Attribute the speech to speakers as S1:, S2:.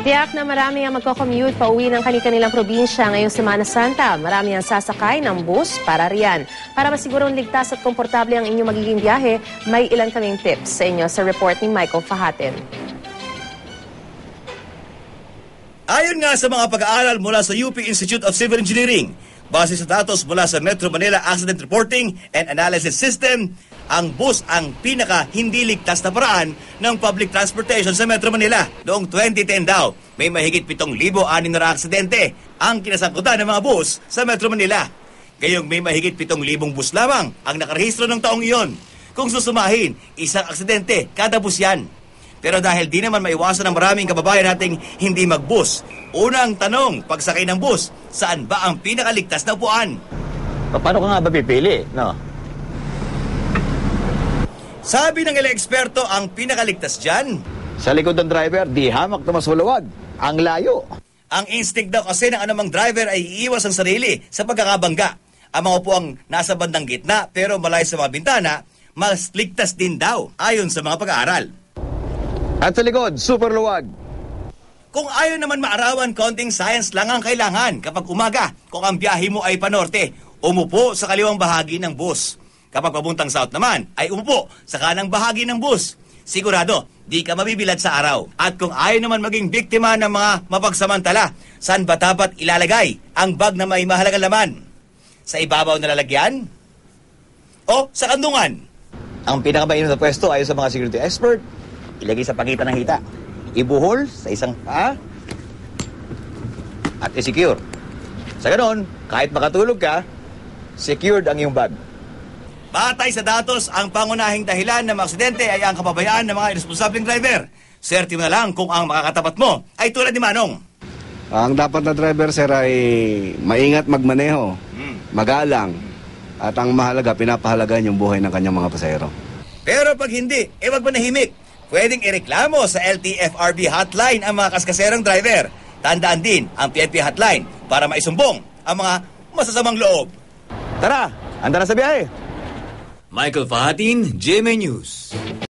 S1: Tiyak na marami ang magko-commute pauwi ng kanilang probinsya ngayong Semana Santa. Marami ang sasakay ng bus para riyan. Para masigurong ligtas at komportable ang inyong magiging biyahe, may ilan kaming tips sa inyo sa report ni Michael Fahatin.
S2: Ayon nga sa mga pag-aaral mula sa UP Institute of Civil Engineering, base sa datos mula sa Metro Manila Accident Reporting and Analysis System, ang bus ang pinaka-hindi ligtas na paraan ng public transportation sa Metro Manila. Noong 2010 daw, may mahigit 7,600 aksidente ang kinasangkutan ng mga bus sa Metro Manila. Gayong may mahigit 7,000 bus lamang ang nakarehistro ng taong iyon. Kung susumahin, isang aksidente kada bus yan. Pero dahil di naman maiwasan ng maraming kababayan nating hindi mag-bus, unang tanong, pagsakay ng bus, saan ba ang pinakaligtas na upuan?
S3: Paano ka nga ba pipili, no?
S2: Sabi ng ilang eksperto, ang pinakaligtas dyan,
S3: Sa likod ng driver, di hamak na mas maluwag. Ang layo.
S2: ang instinct daw kasi ng anumang driver ay iiwas ang sarili sa pagkakabangga. Ang mga upuang nasa bandang gitna pero malayo sa mga bintana, mas ligtas din daw ayon sa mga pag-aaral.
S3: At sa likod, super luwag.
S2: Kung ayaw naman maarawan, konting science lang ang kailangan kapag umaga. Kung ang biyahe mo ay panorte, umupo sa kaliwang bahagi ng bus. Kapag papuntang south naman, ay umupo sa kanang bahagi ng bus. Sigurado, di ka mabibilad sa araw. At kung ayaw naman maging biktima ng mga mapagsamantala, saan ba dapat ilalagay ang bag na may mahalagang laman? Sa ibabaw na lalagyan? O sa kandungan?
S3: Ang pinakamainam na pwesto ayon sa mga security expert, ilagay sa pagitan ng hita. Ibuhol sa isang paa at i-secure. Sa ganon, kahit makatulog ka, secured ang iyong bag.
S2: Batay sa datos, ang pangunahing dahilan ng mga aksidente ay ang kapabayaan ng mga irresponsableng driver. Swerte mo na lang kung ang makakatapat mo ay tulad ni Manong.
S4: Ang dapat na driver, sir, ay maingat magmaneho, magalang, at ang mahalaga, pinapahalagan yung buhay ng kanyang mga pasahero.
S2: Pero pag hindi, wag manahimik. Pwedeng ireklamo sa LTFRB hotline ang mga kaskaserang driver. Tandaan din ang PNP hotline para maisumbong ang mga masasamang loob.
S3: Tara, anda na sa biyahe.
S5: Michael Fahatin, GMA News.